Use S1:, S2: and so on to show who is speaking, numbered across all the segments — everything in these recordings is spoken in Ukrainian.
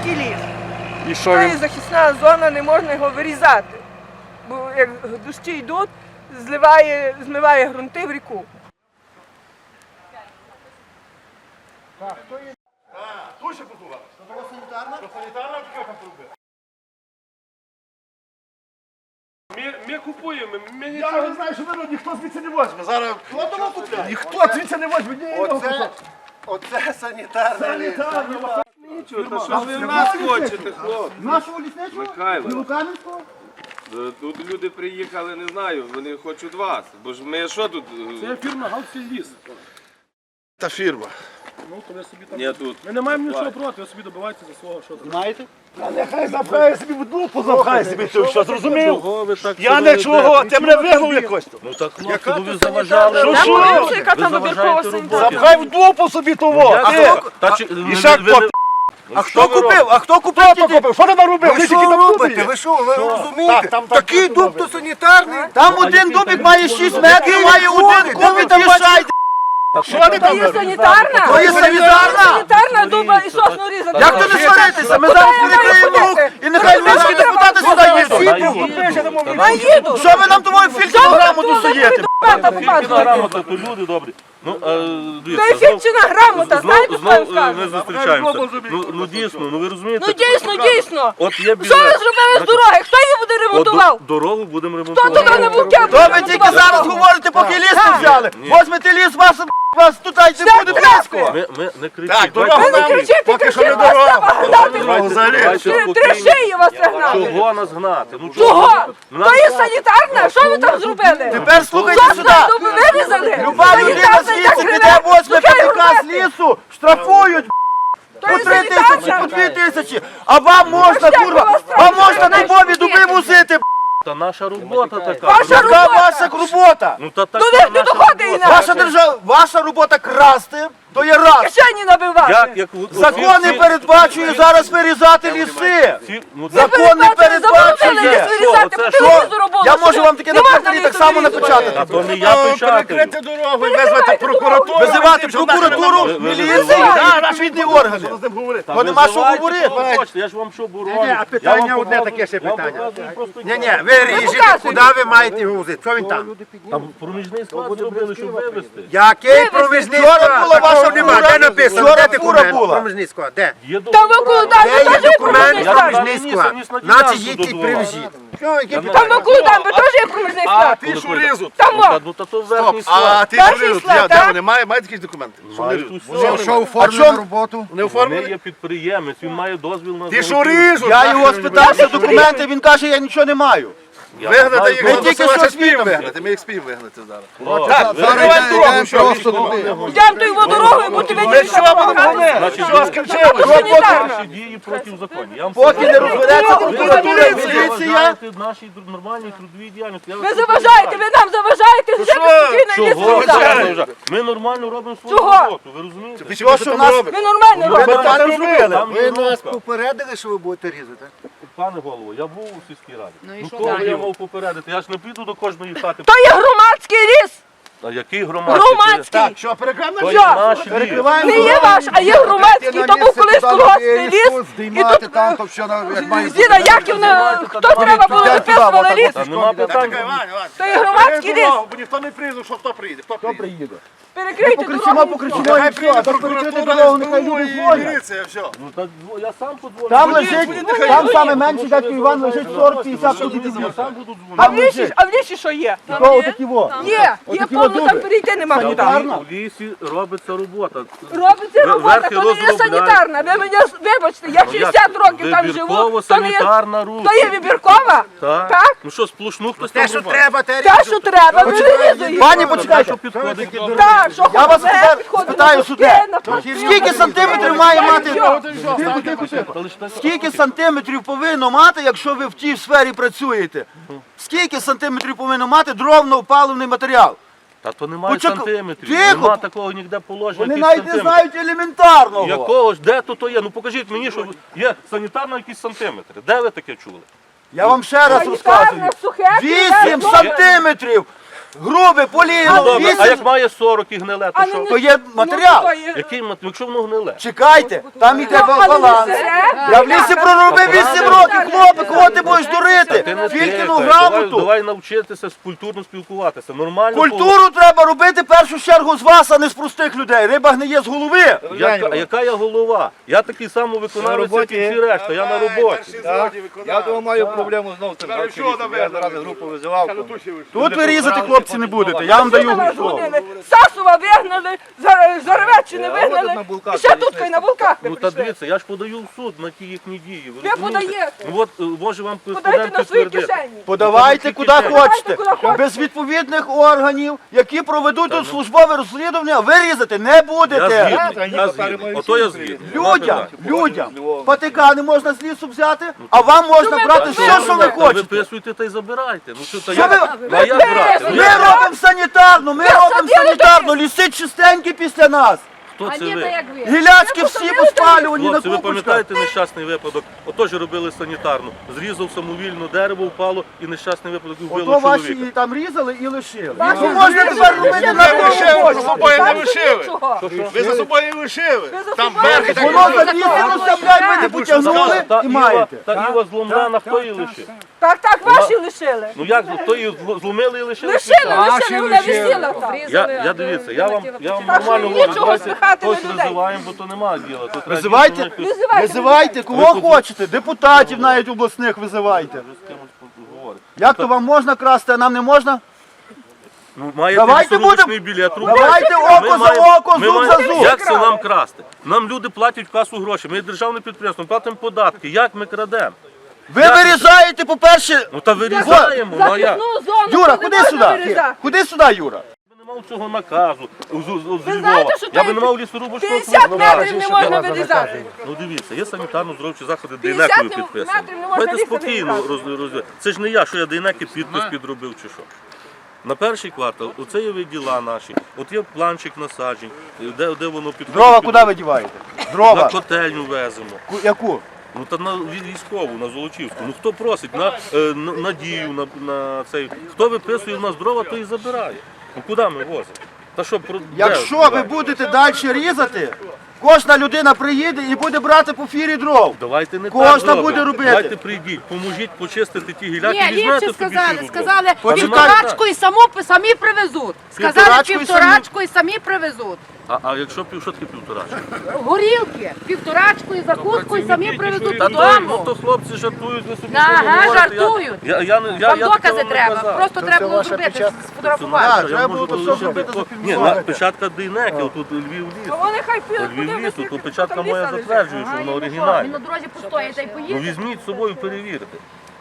S1: громадський ліс.
S2: І що
S1: Це
S2: він?
S1: захисна зона, не можна його вирізати. Бо як дощі йдуть, змиває ґрунти в ріку.
S3: Тут ще побував. Це була санітарна? Це санітарна, чи там пробив?
S2: Ми купуємо, ми
S3: Я
S2: нічого
S3: не знаю, що ви ніхто звідси не возьме. Зараз
S4: Хто того купляє?
S3: ніхто звідси не возьме. Ні,
S4: Оце санітарний ліс.
S2: нічого. Та що ви в нас хочете, хлопці?
S4: Нашого лісничого?
S2: Михайло.
S4: Білокам'янського?
S2: Тут люди приїхали, не знаю, вони хочуть вас. Бо ж ми що тут?
S5: Це фірма Галсільліс.
S3: Та фірма.
S5: Ну, то ви собі там...
S2: Ні, тут.
S5: Ми не маємо нічого проти, ви собі добиваєтеся за свого, що там.
S4: Знаєте?
S3: А нехай запхає собі в дупу, запхає собі це все, зрозумів?
S2: Чого ви так
S3: Я не чого, ти мене вигнув якось.
S2: Ну так, хлопці, бо ви заважали.
S3: Що?
S1: Яка там вибіркова санітарна?
S3: Запхай в дупу собі того. І ще хто?
S4: А хто купив? А хто
S3: Хто
S4: купив?
S3: то купив? Що ти наробив?
S4: Ви
S3: Ти
S4: що
S3: тільки там
S4: робите?
S3: купив.
S4: Ви що, ви розумієте?
S3: там
S4: Такий дуб то санітарний.
S6: Там один дубик має 6 метрів, має один кубик і шайд.
S3: Що ти
S1: Це
S3: там
S1: є
S3: робив?
S1: санітарна?
S6: То є санітарна?
S1: Санітарна дуба і сосну різати.
S6: Як то не сваритися? Ми зараз перекриємо рух і нехай львівські депутати сюди їдуть.
S1: А їду.
S6: Що ви нам тому фільтрограму тут суєте?
S7: Грамота, то люди добрі. Ну,
S1: Та ефірчина грамота, знаєте, що я скажу?
S7: ми зустрічаємося. Ну дійсно, ну ви розумієте?
S1: Ну дійсно.
S7: От є
S1: Що ви
S7: біда.
S1: зробили з дороги? Хто її буде ремонтував?
S7: Дорогу будемо
S1: Хто туди
S7: ремонтувати.
S1: на вовкя буде
S6: То ви тільки зараз говорите, поки ліс не взяли. Возьмете ліс, вас тут не буде близько.
S7: Ми не
S3: Так,
S7: кричіть.
S3: дорогу
S1: Ви не
S3: нам.
S1: кричите,
S3: Поки що не
S1: кричите, вас
S3: дорога.
S1: треба гнати.
S7: Давайте
S1: Три
S7: спокійно.
S1: шиї вас треба гнати.
S7: Чого нас гнати? Ну
S1: Чого?
S7: Нас-
S1: То є санітарна? Що ви там зробили?
S6: Тепер слухайте
S1: Сосну
S6: сюди.
S1: дуби вирізали?
S6: Люба людина звідси піде, возьме ПТК з лісу, штрафують.
S1: То
S6: По
S1: є
S6: 3 тисячі, по
S1: санітарна?
S6: 2 тисячі. А вам можна,
S1: як
S6: курва,
S1: у вас
S6: вам
S1: там
S6: можна
S1: знаєш,
S6: дубові
S1: скільки?
S6: дуби мусити.
S7: Та наша робота така.
S1: Ваша
S6: Яка
S1: робота.
S6: ваша робота?
S7: Ну та
S1: Ну
S7: така
S1: ви ж не
S7: наша
S1: доходите
S7: робота.
S1: інакше.
S6: Ваша держава, ваша робота красти, то є раз.
S1: Кишені набивати.
S7: Як
S6: Закони передбачують зараз вирізати ліси. Закони передбачує. Я можу вам таке написати так само напечатати.
S7: А то не я печатаю.
S3: Перекрити дорогу, визвати прокуратуру.
S6: Визивати прокуратуру, міліцію, відповідні органи.
S3: З ним говорити.
S6: То нема що говорити.
S7: Я ж вам що боролю.
S3: а питання одне таке ще питання.
S7: Ні,
S4: Ви ріжете, куди ви маєте його возити? Що він там?
S7: там проміжний склад зробили, щоб вивезти.
S4: Який проміжний
S6: Вчора
S4: склад?
S6: була ваша
S4: Такого нема.
S6: фура.
S4: Де написано?
S6: Вчора
S4: Де
S6: фура
S4: документ?
S6: була.
S4: Проміжний склад. Де?
S7: Є
S1: Там ви куди?
S4: Де є
S1: Ви теж є
S4: документ?
S1: проміжний склад.
S4: Проміжний склад. Значить, їдьте і привезіть.
S1: Там ви куди? Ви теж є проміжний склад.
S3: Ти шуризу.
S1: Там во.
S7: Ну та то верхній
S3: А
S7: склад.
S3: ти
S1: Перший
S3: шуризу,
S1: склад,
S3: де
S1: так?
S3: вони? Мають якісь документи?
S7: Мають усе.
S4: Що оформлено на роботу?
S3: Не
S7: Вони
S3: оформили?
S7: є підприємець, він має дозвіл на
S3: Ти
S7: золоті.
S3: шуризу.
S6: Я його спитався документи, він каже, я нічого не маю.
S7: Я
S3: Вигнати
S7: знаю,
S3: їх,
S6: Ми тільки що
S3: спів
S6: свідомі.
S3: вигнати, ми їх спів вигнати зараз.
S7: Так,
S6: Закривай дорогу, що
S4: Просто туди.
S1: Йдемо тою дорогою, бо тебе
S3: Ми що будемо?
S7: Значить,
S3: Що скінчили?
S7: ваші дії проти закону. Я вам
S6: Поки не
S7: сказав.
S6: розбереться
S1: Ви
S6: прокуратура,
S1: заважаєте.
S7: Ви
S6: міліція.
S7: заважаєте нашій нормальній трудовій діяльності. Я вас
S1: Ви заважаєте, ви нам заважаєте, жити спокійно і
S7: Чого ви
S1: ліс вирізати.
S7: заважаєте? Ми нормально робимо свою
S1: Чого?
S7: роботу, ви розумієте?
S6: Що, що нас
S1: Ми нормально
S6: ви
S1: робимо.
S6: так робили?
S7: Там є рубка.
S4: попередили, що ви будете різати?
S7: Пане голово, я був у сільській раді. Ну кого я мав попередити? Я ж не піду до кожної хати.
S1: То є громадський ліс.
S7: А який громадський?
S1: Громадський.
S3: Що, перекрами?
S7: То є наш ліс.
S6: Перекриваємо
S1: Не є ваш, а є громадський. То був колись колгоспний ліс. І тут
S4: там, то все як має бути.
S1: Зіна Яківна, хто треба було виписували ліс.
S7: Та нема питань.
S1: То є громадський ліс.
S3: Бо ніхто не прийде, що хто прийде? Хто приїде?
S1: Перекрийте
S6: Покричимо,
S1: дорогу.
S6: покричимо і
S3: Нехай
S6: все,
S3: прийде
S6: а так перекрити
S3: прокуратура,
S6: дорогу, нехай
S3: СБУ
S6: люди
S3: і
S6: дзвонять.
S3: міліція, все.
S7: Ну так я сам подзвоню.
S6: Там лежить, там саме менше, дядько Іван, лежить 40-50 кубиків.
S7: Я сам буду
S1: А
S7: дзвонити.
S1: в лісі що є?
S6: Такого такі во.
S1: Є
S6: Отакі
S1: повно,
S6: дуби.
S1: там перейти нема куди.
S6: Санітарна.
S7: В лісі робиться робота.
S1: Робиться робота,
S7: Верхи
S1: то не є
S7: розробляють.
S1: санітарна. Ви мене, вибачте, я 60 років там живу. То не є,
S7: Вибірково-санітарна рубка.
S1: то є вибіркова?
S7: Так.
S1: Так?
S7: Ну що, сплошну хтось
S4: Те,
S7: там
S4: що
S7: рубає?
S4: треба, те
S1: Те, що треба, ви вирізуєте.
S6: Пані, почекайте.
S7: Що підходить до
S1: Так, що
S6: Я вас
S1: хочете,
S6: тепер
S1: підходимо
S6: спитаю
S1: на
S6: суде.
S1: пустки, на пустки.
S6: Скільки сантиметрів має мати?
S7: Та лише так.
S6: Скільки сантиметрів повинно мати, якщо ви в тій сфері працюєте? Скільки сантиметрів повинно мати дровно-опаливний матеріал?
S7: Та то немає
S6: Почекай.
S7: сантиметрів.
S6: Тихо.
S7: Нема такого ніде положення.
S6: Вони
S7: якийсь
S6: навіть не
S7: сантиметр.
S6: знають елементарного.
S7: Якого ж, де то є? Ну покажіть мені, що є санітарно якісь сантиметри. Де ви таке чули?
S6: Я вам ще раз розказую.
S1: Санітарне, сухе,
S6: 8 сантиметрів Грубе, полігло,
S7: Добре, а
S6: 8,
S7: як має 40 і гниле, то що?
S6: то є матеріал.
S7: Який якщо воно гниле?
S6: Чекайте, там іде баланс. Я в лісі проробив 8 років, хлопець, кого ти будеш дурити?
S7: Ти не
S6: Тільки
S7: тикай.
S6: ну
S7: Давай,
S6: грамоту.
S7: давай навчитися культурно спілкуватися. Нормально.
S6: Культуру треба робити в першу чергу з вас, а не з простих людей. Риба гниє з голови.
S7: Яка я голова? Я такий самий виконавець, як і всі решта, я на роботі.
S4: Я тому маю проблему знову з цим. Я зараз групу визивав.
S6: Тут ви різати, хлопці, не будете. Я вам даю слово.
S1: Сасова вигнали, Заревеччини вигнали, і ще тут хай на Волках ви
S7: Ну та
S1: прийшли.
S7: дивіться, я ж подаю в суд на ті їхні дії.
S1: Ви подаєте.
S7: Ну от може вам
S1: Подайте
S7: кореспондент
S1: на свої
S7: підтвердити.
S1: кишені.
S6: Подавайте куди хочете.
S1: куди хочете.
S6: Без відповідних органів, які проведуть тут службове розслідування, ви різати не будете.
S7: Я згідний. Ото я згідний.
S6: Людям патика не можна з лісу взяти, а вам можна брати все, що ви
S7: Та
S6: хочете.
S7: виписуйте та й забирайте. Ну що, та
S6: Що
S7: як?
S6: ви-
S7: А як брати?
S6: Ми робимо санітарну, ліси чистенькі після нас.
S7: Хто це ви?
S6: Гіляцькі всі поспалювані на
S7: Хлопці, ви
S6: купочках.
S7: пам'ятаєте нещасний випадок? Отож робили санітарну. Зрізав самовільно дерево, впало і нещасний випадок і вбило
S6: Ото ваші
S7: чоловіка.
S6: і там різали і лишили. Ну можна тепер робити на кого
S3: собою не лишили.
S1: Чого?
S3: Ви за собою не лишили. Там
S1: собою
S3: верхи так.
S6: Воно завісилося, блядь, ви не потягнули і маєте.
S7: Та Іва зломлена, хто її лишив?
S1: Так, ваші лишили.
S7: Ну як, хто її зломили і лишили?
S1: Лишили, вона висіла там.
S7: Я дивіться, я вам
S1: Так що
S7: нормально
S1: нічого
S7: говорю, давайте
S1: сміхати на
S7: хтось
S1: людей.
S7: визиваємо, бо то немає діла. То треба
S6: Визивайте,
S7: дійсно якось
S6: визивайте, кого хочете, депутатів навіть обласних визивайте.
S7: з кимось поговорити.
S6: Як то вам можна красти, а нам не можна?
S7: Ну, маєте
S6: Давайте
S7: лісорубочний білет,
S6: Давайте око за око, зуб за зуб.
S7: Як це нам красти? Нам люди платять в касу гроші, ми є державне підприємство, ми платимо податки. Як ми крадемо?
S6: Ви вирізаєте, по-перше,
S7: Ну та вирізаємо, ну а як?
S6: Юра, ходи сюди. Ходи сюди, Юра.
S7: Я би не мав цього наказу з
S1: знаєте,
S7: Львова.
S1: що
S7: Я би
S1: там
S7: не мав лісорубочного
S1: 50
S7: квитка.
S1: метрів не можна вирізати.
S7: Ну дивіться, є санітарно-здоровчі заходи
S1: 50
S7: Дейнекою підписані.
S1: метрів не можна
S7: Давайте
S1: лісом
S7: спокійно
S1: вирізати.
S7: розвивати. Це ж не я, що я Дейнеки підпис підробив чи що. На перший квартал, оце є виділа наші, от є планчик насаджень, де воно підходить.
S6: Дрова
S7: під-
S6: куди ви діваєте?
S7: На
S6: Дрова.
S7: котельню веземо.
S6: Яку?
S7: Ну та на військову, на Золочівську. Ну хто просить? На Надію, на цей. Хто виписує в нас дрова, то і забирає. Ну куди ми возимо? Та що,
S6: Якщо ви будете далі різати, кожна людина приїде і буде брати по фірі дров.
S7: Давайте не
S6: Кожна
S7: так робимо.
S6: буде робити.
S7: Давайте прийдіть, поможіть почистити ті гіляки,
S8: Ні,
S7: візьмете
S8: ліпше
S7: собі
S8: сказали,
S7: цілу
S8: сказали
S7: дров.
S8: півторачку і самі привезуть. Сказали
S6: Півторачку і
S8: півторачку і самі привезуть.
S7: А якщо що таке півторачка?
S8: Горілки, півторачку і закуску і самі привезуть
S7: Та то, ну
S8: додому.
S7: то хлопці жартують, ви собі
S8: Ага,
S7: що говорите.
S8: жартують.
S7: Я
S8: Там
S7: такого
S8: докази
S7: не
S8: треба,
S7: казав.
S8: просто треба було зробити, сфотографувати.
S6: Так, треба було то все зробити,
S7: Ні,
S6: зафільмувати.
S7: печатка Дейнеки, отут Львів ліс.
S1: А вони хай підуть,
S7: Львів
S1: подивляться,
S7: лісу, то
S1: скільки
S7: печатка
S1: там
S7: моя
S1: ліса лежить.
S7: затверджує, що вона оригінальна.
S8: Він на дорозі постоїть та й
S7: Ну
S8: поїде.
S7: візьміть з собою, перевірте.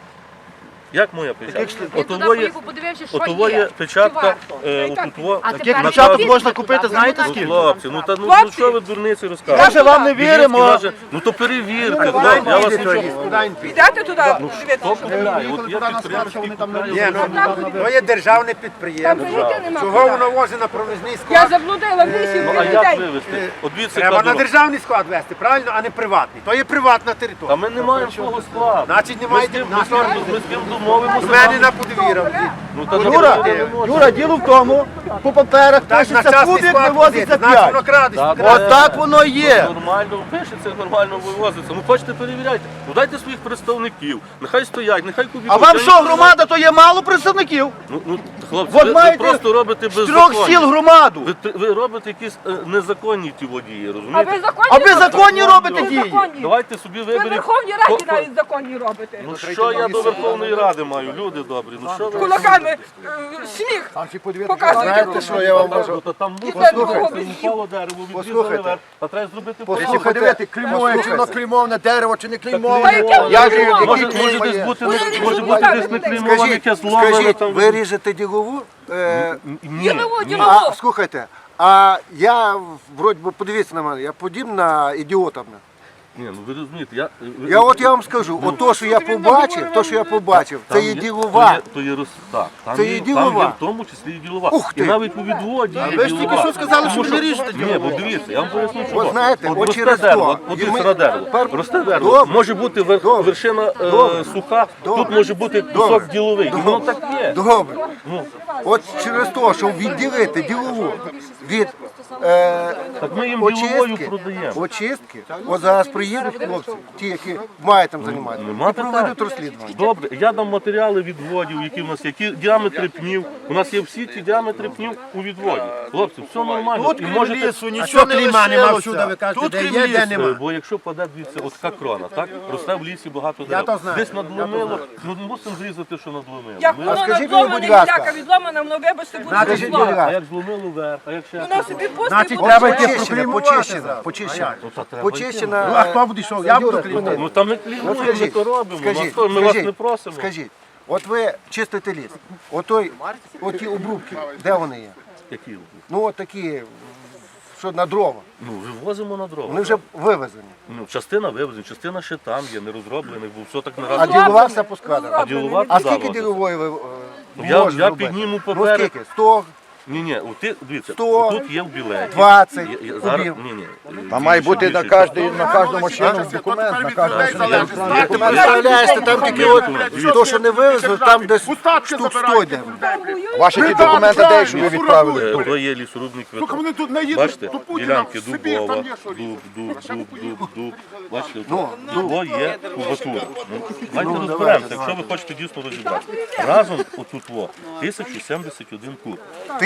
S7: Як моя печатка?
S8: Він туди
S7: Отово є,
S8: поїхав, подивився, що
S7: отово
S8: є.
S7: є печатка,
S8: Чи
S7: отутво.
S8: А
S6: Таких
S8: тепер
S6: печаток
S8: підійдете
S6: можна
S8: туди,
S6: купити, знаєте
S8: будемо
S6: скільки?
S7: Хлопці, ну та ну
S1: Хлопці!
S7: що ви дурниці
S6: Ми
S7: розказуєте?
S6: вже вам не
S7: Білінський
S6: віримо.
S7: каже, ну то перевірте, хлопці, я вас нічого.
S1: Підете туди, подивитися.
S7: Хто купляє? От є підприємці, які купляють.
S4: То є державне
S1: Там
S4: підприємство.
S1: прийти нема.
S4: Чого воно возить на провізний
S1: Я
S4: склад?
S1: заблудила в лісі
S7: Ну а
S1: людей.
S7: як вивезти? От дивіться,
S4: Треба
S7: яка
S4: на
S7: дорога.
S4: державний склад вести, правильно, а не приватний. То є приватна
S7: А
S4: територія.
S7: ми не маємо свого складу.
S4: Значить, не
S7: Ми з
S4: маєте
S7: ким домовимося.
S4: в мене на подвір'я.
S7: Ну та
S6: Юра, діло в тому, по паперах
S4: Так, на
S6: пишеться
S4: частний
S6: кубик,
S4: склад
S6: вивозиться
S4: возити, значить воно
S6: 5.
S4: крадеться.
S6: От так воно є.
S7: Нормально пишеться, нормально вивозиться. Ну хочете перевіряйте. Ну дайте своїх представників. Нехай стоять, нехай кубі.
S6: А вам що, громада, то є мало представників?
S7: Ну, хлопці,
S6: От
S7: ви
S6: маєте
S7: просто робите
S6: З 3 сіл
S7: беззаконня.
S6: громаду.
S7: Ви робите якісь незаконні ті водії,
S1: А
S7: розумієте?
S1: ви законні
S6: А ви
S1: робите?
S6: законні робите
S1: Ви
S6: дії.
S1: законні.
S7: Давайте собі
S1: Ви в
S7: виберіть.
S1: Верховній Раді навіть законні робите.
S7: Ну що я до Верховної Ради маю, люди добрі, ну що ви?
S1: Кулаками сміх показуєте.
S4: Знаєте, що я вам можу?
S7: Ну, то там
S1: І
S7: мусор,
S1: це другого
S7: упало дерево, відрізали
S4: Послухайте.
S7: верх, а треба зробити
S4: Якщо
S7: порядок.
S4: подивити, клеймове, чи воно клеймоване дерево, чи не клеймоване.
S1: Та яке воно
S4: Я ж
S1: клеймоване?
S7: Може
S4: який
S7: десь
S4: клеймо є.
S7: бути,
S1: Вони
S7: може
S1: ріжуть
S7: бути
S1: руками
S7: десь не
S1: людей.
S7: клеймоване, яке зломане
S4: Скажіть,
S7: там.
S4: ви ріжете ділову?
S7: Ні,
S1: Ділову,
S7: ні.
S1: ділову.
S4: А, слухайте, а я, вроді би, подивіться на мене, я подібна на ідіота.
S7: Ні, ну ви розумієте,
S3: Я вам скажу, от то, що я побачив, це є ділова.
S7: То є так, там
S3: Це є ділова.
S7: Там є в тому числі і ділова.
S3: Ух
S7: І
S3: ти!
S7: навіть у відводі є
S3: Ви ж тільки
S7: ділова.
S3: що сказали, що
S7: Тому
S3: ви не ріжете
S7: Ні, бо дивіться, я вам поясню, чого.
S3: От знаєте, от
S7: росте
S3: через
S7: дерево,
S3: то.
S7: от
S3: І ми-
S7: сире дерево.
S3: Пер-
S7: Росте дерево,
S3: Добре.
S7: може бути вершина суха, тут може бути кусок діловий. І воно так є.
S3: Добре. От через те, щоб відділити ділову від
S7: Так ми їм діловою продаємо.
S3: очистки, от зараз приїдуть хлопці, ті, які мають там займатися,
S7: Нема
S3: і проведуть
S7: питань.
S3: розслідування.
S7: Добре, я дам матеріали відводів, які в нас є, які діаметри пнів. У нас є всі ті діаметри пнів у відводі. Хлопці, все нормально. І можете...
S3: нічого не лишилося. Ви кажете, де є, де нема.
S7: Бо якщо паде, дивіться, от така крона, так? Росте в лісі багато дерев. Десь надломило, ну мусимо зрізати, що надломило.
S1: Як
S7: Ми-
S1: воно
S3: скажіть мені,
S1: надломане,
S3: будь ласка.
S1: гіляка відломана, воно вибачте, буде
S3: Скажіть, будь
S1: зло.
S7: А
S3: ласка,
S7: як зломило вверх, а як ще?
S1: Воно собі пусте
S3: значить,
S1: буде.
S3: треба йти почищена.
S7: Ну, то треба
S3: Почищена.
S7: йти.
S3: А хто буде йшов? Я буду клінити.
S7: Ну там не клінуємо, ми
S3: скажіть,
S7: то робимо.
S3: скажіть,
S7: Ми вас
S3: скажіть,
S7: не просимо.
S3: Скажіть, от ви чистите ліс, оті обрубки, де вони є?
S7: Які?
S3: Ну от такі, що на дрова,
S7: Ну, вивозимо на дрова.
S3: вони вже вивезені.
S7: Ну, частина вивезена, частина ще там є, не розроблених, бо все так не
S3: А
S7: раз.
S3: ділова все поскладена.
S7: А ділова
S3: А
S7: туди
S3: скільки
S7: возиться.
S3: ділової ви
S7: Я
S3: можете робити?
S7: підніму
S3: Ну
S7: поперед.
S3: скільки? 100,
S7: Ні, дивіться,
S3: 100,
S7: тут є в білеті.
S3: 20
S7: Зараз,
S3: кубів.
S7: ні.
S4: Там має бути на кожну машину документ, на кожну машину.
S3: Ти представляєш, там тільки от, то, що не вивезли, там десь штук 100 йде.
S4: Ваші ті документи де, що ви відправили?
S7: То є лісорубний квиток.
S9: Вони тут не їдуть
S7: Бачите,
S9: до Путіна
S7: ділянки
S9: в Сибір,
S7: дубова,
S9: там є що
S7: дуб. Бачите, то є кубатура. Давайте розберемося, якщо ви хочете дійсно розібратися. Разом отут 1071 куб.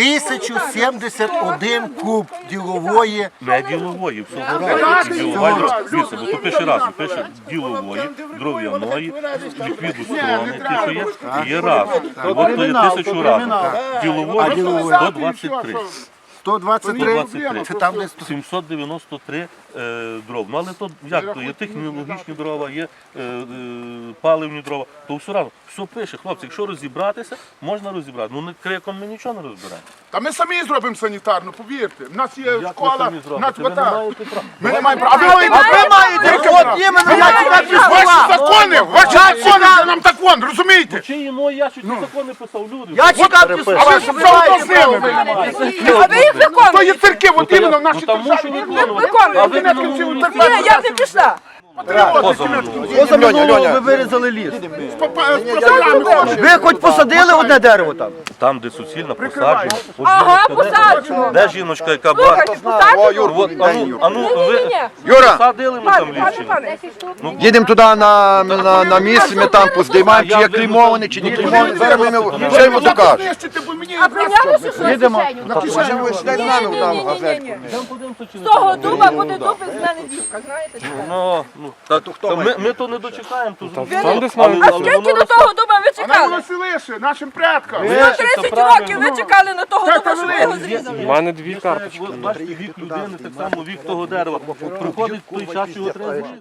S3: 1071 куб ділової.
S7: Не ділової, всього разу. Ділова дрова. Дивіться, бо тут пише разом, пише ділової, дров'яної, ліквіду сторони, ті, що є, і є разом. І от то є 1000 разом. Ділової 123.
S3: 123, це там десь
S7: 793 дров. Ну але то як то? Є технологічні дрова, є паливні дрова, то все разом. Все пише, хлопці, якщо розібратися, можна розібрати. Ну не криком ми нічого не розберемо.
S9: Та ми самі зробимо санітарну, повірте. У нас є
S7: Як ви
S9: школа,
S7: самі
S9: у
S7: зробите?
S9: нас
S7: Ви не
S9: вода.
S7: маєте права.
S9: Ми не маємо права. А ви маєте
S3: От іменно, я тебе
S9: ваші закони нам так вон, розумієте?
S7: Чиї мої я чуть закони писав люди.
S3: Я чекав ті
S9: А
S3: слова,
S9: ви
S3: що ви
S9: заодно
S3: маєте
S9: з ними.
S1: А ви їх
S9: То є
S1: виконуєте?
S9: церкви, от іменно в нашій
S7: Там мушу виконувати.
S1: Виконуєте.
S7: А ви не
S1: Ні, я не пішла.
S3: Поза минулого ви вирізали ліс.
S9: З пацанами хоче.
S3: Ви хоч посадили одне дерево там?
S7: Там, де суцільно посаджено. От
S1: Ага,
S7: жіночка, де-
S1: посаджено.
S7: Де жіночка, яка
S1: Слухайте,
S7: бачить?
S1: посаджено?
S7: От, ану, ви
S1: Ні-ні-ні.
S4: Юра,
S7: посадили ми там ліс чи ні?
S1: Пане,
S4: їдемо туди на місце, ми там поздіймаємо, чи є клеймований, чи не клеймований. Зараз ми все йому докажемо.
S9: Знищити, бо мені
S1: а прийнялося, що
S4: Їдемо.
S1: Ні-ні-ні. З того дуба буде дуб із мене дівка, знаєте?
S7: Ну, ми то не дочекаємо, то зробимо.
S1: А скільки до того дуба ви
S9: а нам
S1: чекали?
S9: воно лише, нашим предкам.
S1: 30 років ви чекали на того дуба, щоб ви його зрізали.
S7: У мене 2 карточки. Бачите, вік людини, так само вік того дерева. Приходить той час, його треба зрізати.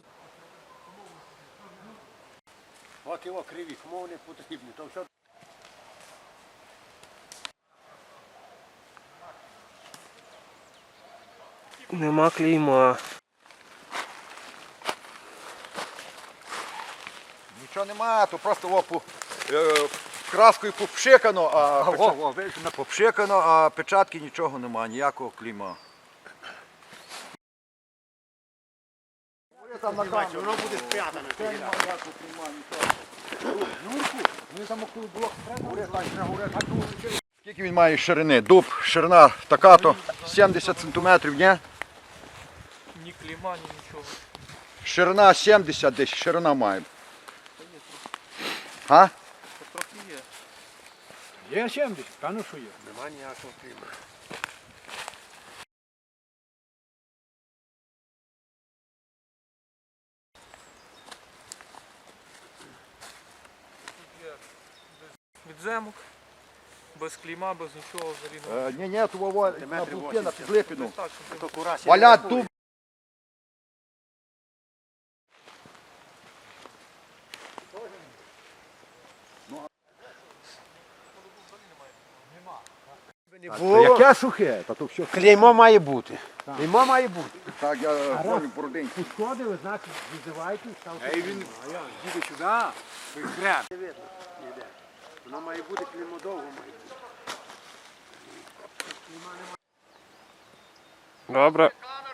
S3: От його криві, кому вони потрібні, то все.
S10: Нема клейма.
S4: Нічого нема, то просто краскою попшикано, попшикано, а печатки нічого нема, ніякого клейма.
S3: Воно буде спрятане.
S4: Скільки він має ширини? Дуб, ширина така-то, 70 сантиметрів, ні?
S10: Ні клейма, ні нічого.
S4: Ширина 70 десь, ширина має. А?
S3: Є 70, певно, що є. Нема ніякого клімату.
S10: Відземок, без клейма, без нічого взагалі.
S4: Ні, то на будки, на підлипіну.
S10: Так, щоб
S4: Валять дуб.
S3: Яке сухе? Та то все.
S6: Клеймо має бути. Клеймо має бути.
S3: Так, я говорю про день.
S6: Пошкодили, значить, визивайте. Воно має бути, клеймо довго має бути.
S10: Добре.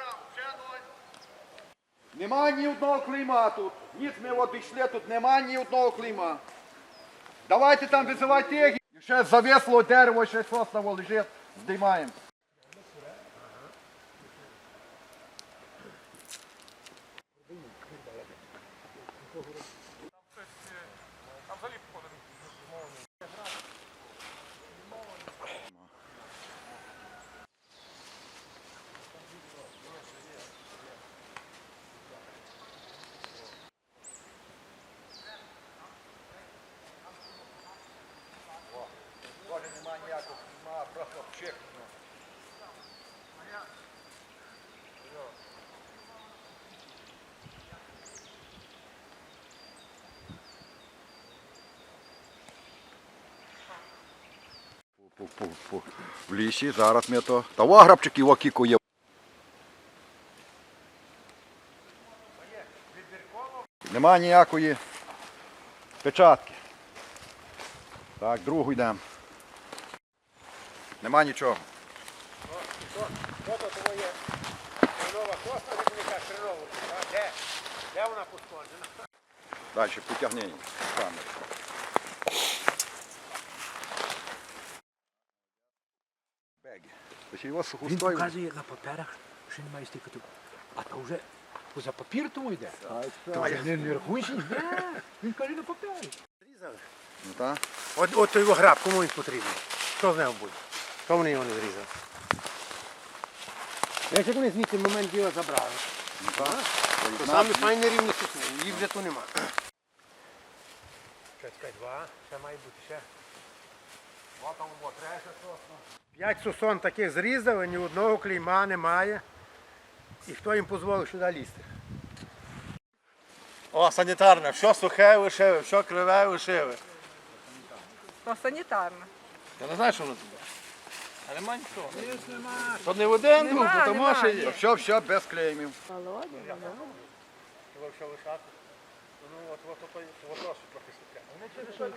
S4: Нема ні одного клейма тут. Ніц ми обійшли, тут нема ні одного клейма. Давайте там визивайте їх. Ще завесло дерево, ще сосново лежить, здіймаємо. В лісі, зараз ми то. Та грабчики окікує. Нема ніякої печатки. Так, другу йдемо. Нема нічого.
S6: Де вона пошкоджена?
S4: Далі потягнення.
S6: Він показує на паперах, що він має стільки. А то вже за папір тому йде. То не рахуєш? Він каже на папері.
S4: Ну, так.
S6: От той його граб, кому він потрібен? Що з ним буде? Що вони його не зрізали? Як вони звідти момент діла забрали?
S4: Ну, так.
S6: То саме файні рівні сосни, їх вже тут нема. Чекай, два, ще має бути ще. О, там було, третя сосна. 5 сосон таких зрізали, ні одного клейма немає. І хто їм дозволив сюди лізти? О, санітарне, що сухе лишили, що криве лишили.
S1: Ну, санітарна.
S6: Я не знаю, що воно тут. А нема нічого. То не в один друг, то може є.
S4: Все, без клеймів.
S6: Його що лишати? Ну, от трохи сухе.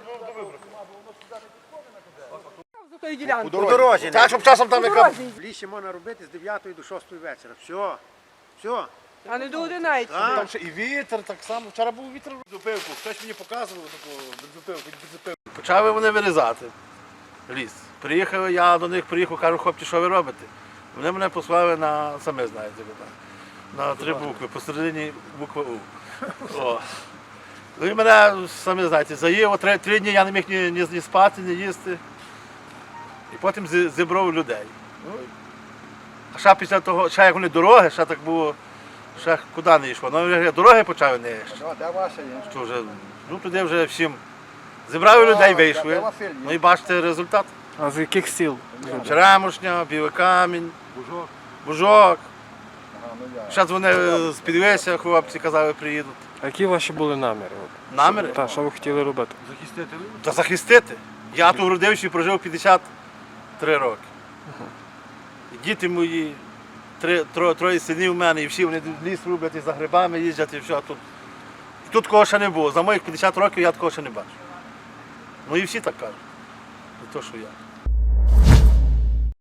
S1: За тої ділянки.
S6: По дорозі. Так, щоб часом там
S1: По
S6: яка...
S1: дорозі.
S6: В лісі можна робити з 9 до 6 вечора. Все. Все.
S1: А не до 11.
S6: Там ще і вітер так само. Вчора був вітер в зупинку. Хтось мені показував таку бензопилку. Почали вони вирізати ліс. Приїхав, я до них приїхав, кажу, хлопці, що ви робите? Вони мене послали на, самі знаєте, на 3 букви, посередині буква У. О. Ну і мене, самі знаєте, заїв, 3 дні я не міг ні спати, ні їсти. І потім зібрав людей. Ну, а ще після того, ще як вони дороги, ще так було, ще куди не йшло. Ну, дороги почали не йти.
S4: Де ваша є?
S6: Що вже, ну туди вже всім зібрали людей, вийшли. Ну і бачите результат.
S10: А з яких сіл?
S6: Черемушня, Білий Камінь, Бужок. Зараз вони з Підвеся, хлопці казали, приїдуть.
S10: А які ваші були наміри?
S6: Наміри?
S10: Та, що ви хотіли робити?
S6: Та захистити. Я тут родився і прожив 53 роки. І діти мої, троє синів в мене, і всі вони ліс роблять, і за грибами їздять, і все. Тут кого ще не було. За моїх 50 років я такого ще не бачив. Ну і всі так кажуть. Не то, що я.